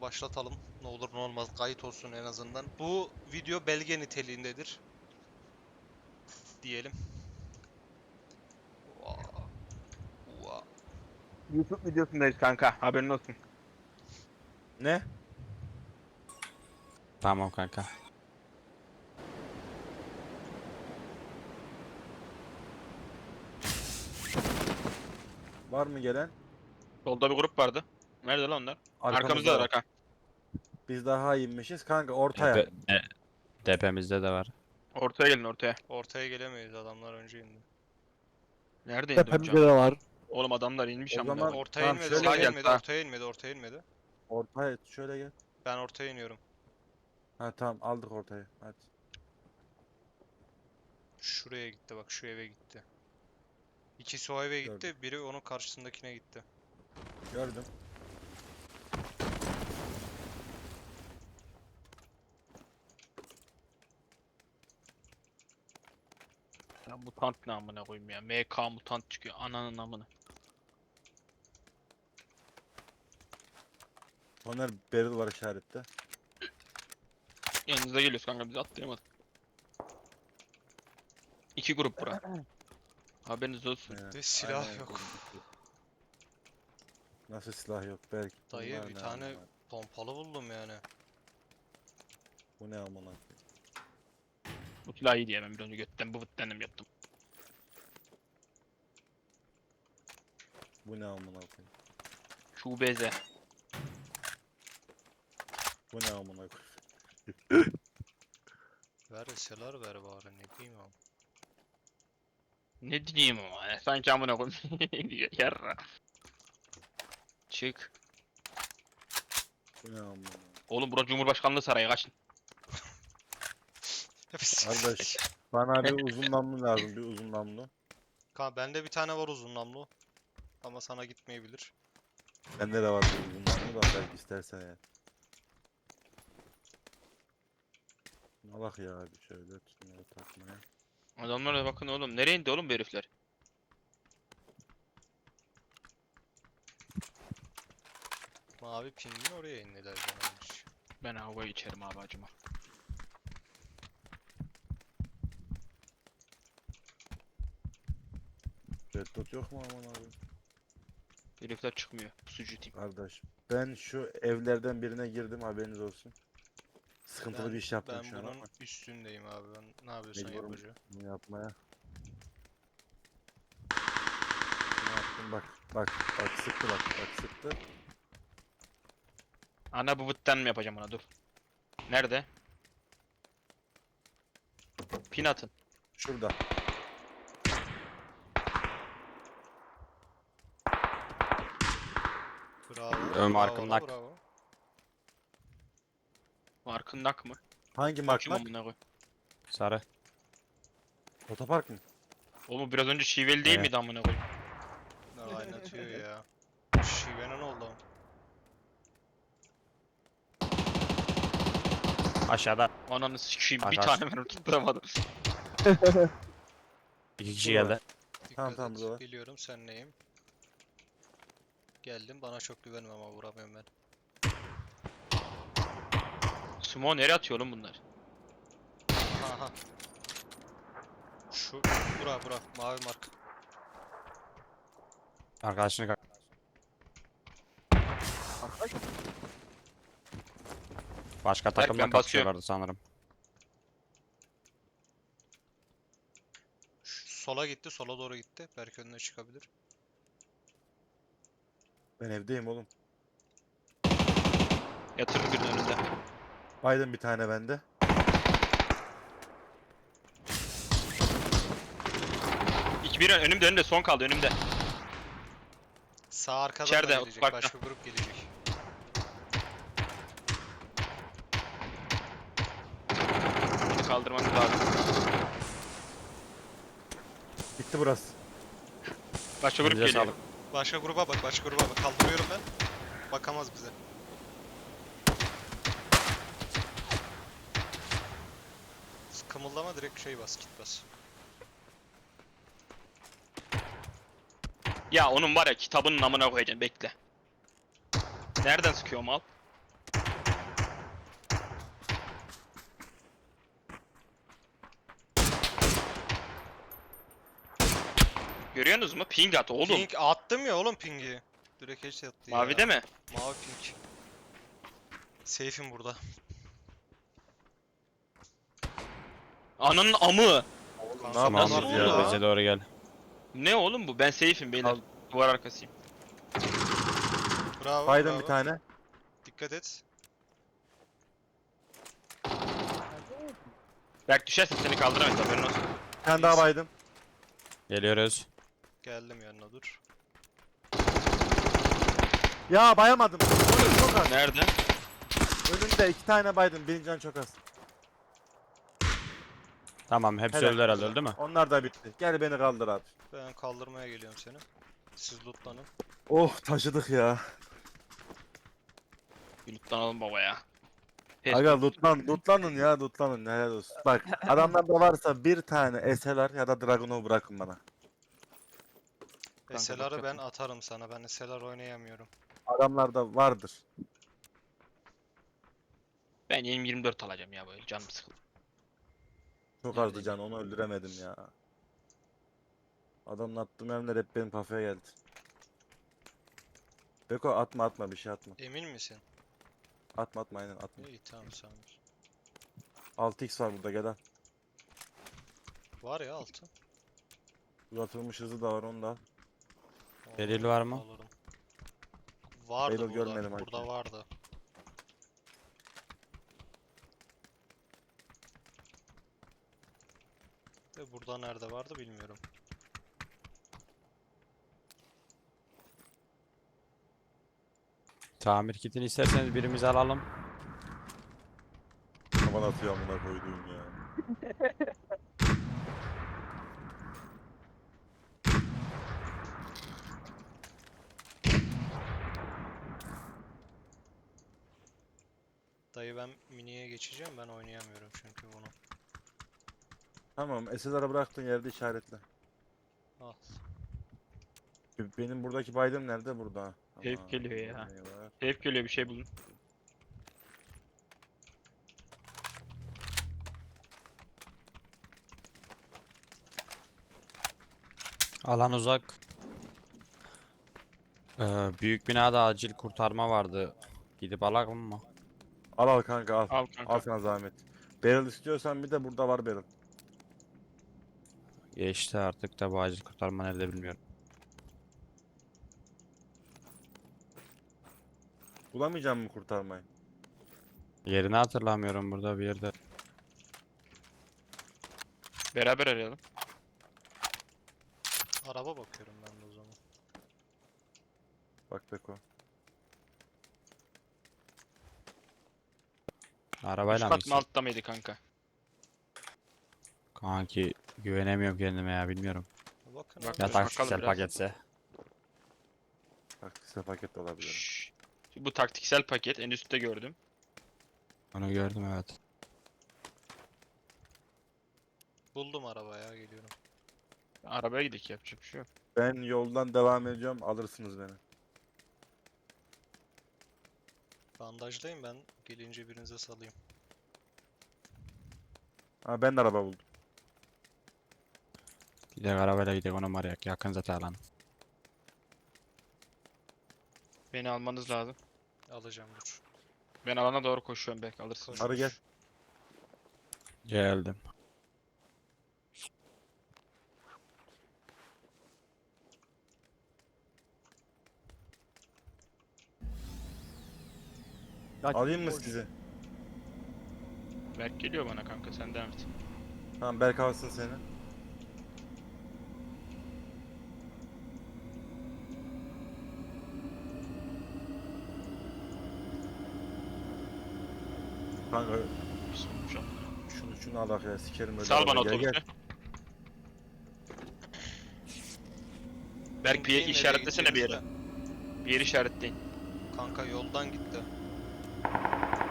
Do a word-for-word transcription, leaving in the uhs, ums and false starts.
başlatalım. Ne olur ne olmaz kayıt olsun en azından. Bu video belge niteliğindedir. Diyelim. Vaa. Vaa. YouTube videosundayız kanka. Haberin olsun. Ne? Tamam kanka. Var mı gelen? Solda bir grup vardı. Nerede lan onlar? Arkamızda var. arka. Biz daha inmişiz kanka E, ortaya. de- e, Depemizde de var. Ortaya gelin ortaya. Ortaya gelemeyiz, adamlar önce indi. Nerede indi Tepemde hocam? de var. Oğlum adamlar inmiş O ama. zaman- Ortaya tamam, inmedi, şöyle ortaya gel, inmedi, ha. ortaya inmedi, ortaya inmedi. Ortaya şöyle gel. Ben ortaya iniyorum. Ha tamam aldık ortayı. Hadi. Şuraya gitti bak, şu eve gitti. İkisi o eve gitti, Gördüm. biri onun karşısındakine gitti. Gördüm. Ya mutant ne amına koyayım ya. M K mutant çıkıyor. Ananın amına. Soner barrel var işarette. Yanınıza geliyoruz kanka, biz atlayamadık. İki grup bura. Haberiniz olsun. Aynen. Ve silah Aynen, yok. gördüm. Nasıl silah yok belki. Dayı, Bunlar bir ne tane- amına? Pompalı buldum yani. Bu ne amına? Bu silah iyi diye ben bir önce götten bu vıttendim yaptım. Bu ne amına koyayım? Şubeze. Bu ne amına koyayım? Ver eseler ver bari, ne diyeyim abi. Ne diyeyim ama ya, sanki amına koyayım. Yarra. Çık. Bu ne amına? Oğlum bura Cumhurbaşkanlığı sarayı, kaçın. Kardeş bana bir uzun namlu lazım, bir uzun namlu. Kanka bende bir tane var uzun namlu. Ama sana gitmeyebilir. Bende de var bir uzun namlu da belki istersen ya. Allah ya abi şöyle tutmaya takmaya. Adamlara bakın oğlum. Nereye indi oğlum bu herifler? Mavi pingin oraya indiler canımmış. Ben havayı içerim abi acıma. Red dot yok mu aman abi? Herifler çıkmıyor. Sucu team. Kardeş ben şu evlerden birine girdim haberiniz olsun. Sıkıntılı Ben- bir iş yaptım Ben şu an bunun ama üstündeyim abi. Ben ne yapıyorsan mecburum yapacağım. bunu yapmaya. Ne yaptım bak bak bak sıktı bak bak sıktı. Ana bu vıttan mı yapacağım ona, dur. Nerede? Pin atın. Şurada. Bravo. Ön bravo arkamın la, nak. bravo. Markındak mı? Hangi Kim mark? amına koy? Sarı. Otopark mı? Oğlum biraz önce şiveli değil Evet. miydi amına koy? Ne oynatıyor ya. Şive'nin oldu. Aşağıda. Ananı sikeyim, bir Arkadaş. tane ben tutturamadım. İki kişi Burada. geldi. Dikkat Tamam, tamam, et. burada var. Biliyorum sen neyim. Geldim, bana çok güvenme ama vuramıyorum ben. Sumo nereye atıyor oğlum bunlar? Aha. Şu bura bura mavi mark. Arkadaşını ka- Başka Berk, takımla ben basıyorum. kapışıyorlardı sanırım. Şu sola gitti, sola doğru gitti. Belki önüne çıkabilir. Ben evdeyim oğlum. Yatırdı birinin önünde. Biden bir tane bende. İki bir önümde, önümde son kaldı önümde. Sağ arkadan İçeride, da gelecek. otoparkta. Başka grup gelecek. Bunu kaldırmanız lazım. Bitti burası. Başka grup Elinize geliyor. sağlık. Başka gruba bak, başka gruba bak. Kaldırıyorum ben. Bakamaz bize. Kımıldama, direkt şey bas, kit bas. Ya onun var ya kitabının namına koyacaksın, bekle. Nereden sıkıyor mal? Görüyorsunuz mu? Ping at oğlum. Ping attım ya oğlum pingi. Direkt headshot attı ya. Mavide mi? Mavi ping. Safe'im burada. Ananın amı. Ne Kanka, Nasıl yapamaz oldu ya? lan? Bize doğru gel. Ne oğlum bu? Ben safe'im beyler. Al. Duvar arkasıyım. Bravo, Baydım bravo. bir tane. Dikkat et. Berk düşerse seni kaldıramayız, haberin olsun. Bir tane daha baydım. Geliyoruz. Geldim yanına dur. Ya bayamadım. Oğlum çok az. Nerede? Önünde iki tane baydım. Birinci can çok az. Tamam hepsi Helal. öldü herhalde, öldü mü? Onlar da bitti. Gel beni kaldır abi. Ben kaldırmaya geliyorum seni. Siz lootlanın. Oh taşıdık ya. Bir lootlanalım baba ya. Aga lootlan, lootlanın ya lootlanın. Helal olsun. Bak adamlarda varsa bir tane S L R ya da Dragunov bırakın bana. Kanka, S L R'ı ben bakıyorum. atarım sana. Ben S L R oynayamıyorum. Adamlarda vardır. Ben yirmi yirmi dört alacağım ya, böyle canım sıkıldı. Çok Yani- azdı can onu öldüremedim ya. Adamın attığım mermiler hep benim kafaya geldi. Beko atma atma bir şey atma. Emin misin? Atma atma aynen atma. İyi tamam tamam. altı x var burada gel al. Var ya altı. Uzatılmış hızı da var onu da al. Delil var mı? Alırım. Vardı Delil burada. görmedim Burada hakim. vardı. De burada nerede vardı bilmiyorum. Tamir kitini isterseniz birimizi alalım. Aman atıyor amına koyduğum ya. Dayı ben miniye geçeceğim. Ben oynayamıyorum çünkü bunu. Tamam S L R'ı bıraktığın yerde işaretle. Al. B- Benim buradaki baydım nerede? Burada. Herif Aman, geliyor ya. eyvah. Hep geliyor, bir şey bulun. Alan uzak. Ee, büyük binada acil kurtarma vardı. Gidip alalım mı? Al al kanka al. Al kanka. Al sana zahmet. Barrel istiyorsan bir de burada var barrel. Geçti artık da bu acil kurtarma nerede bilmiyorum. Bulamayacağım mı kurtarmayı? Yerini hatırlamıyorum burada bir yerde. Beraber arayalım. Araba bakıyorum ben de o zaman. Bak Beko. Arabayla Üst mı kat mı, gitsin? altta mıydı kanka? Kanki güvenemiyorum kendime ya, bilmiyorum. Bakın Bak- abi. Ya Dur, taktiksel bakalım biraz. paketse. Bak size paket de olabilir. Şşş. Bu taktiksel paket en üstte gördüm. Onu gördüm evet. Buldum araba ya geliyorum. Arabaya gidelim, yapacak bir şey yok. Ben yoldan devam ediyorum alırsınız beni. Bandajdayım ben. Gelince birinize salayım. Ha ben de araba buldum. Gidelim arabayla gidelim, onu var ya yakın zaten alan. Beni almanız lazım. Alacağım dur. Ben alana doğru koşuyorum, belki alırsın. Koş, Arı koş. gel. Geldim. Alayım mı sizi? Berk geliyor bana kanka, sen devam et. Tamam Berk alsın seni. Kanka Bir sormuş ama. şunu şunu al bak ya sikerim öyle. Sal bana arabayı. Gel, otobüsü. gel. Berk bir Ping'in nereye işaretlesene bir yere. gideceğinizi Bir yeri işaretleyin. de- Kanka yoldan gitti.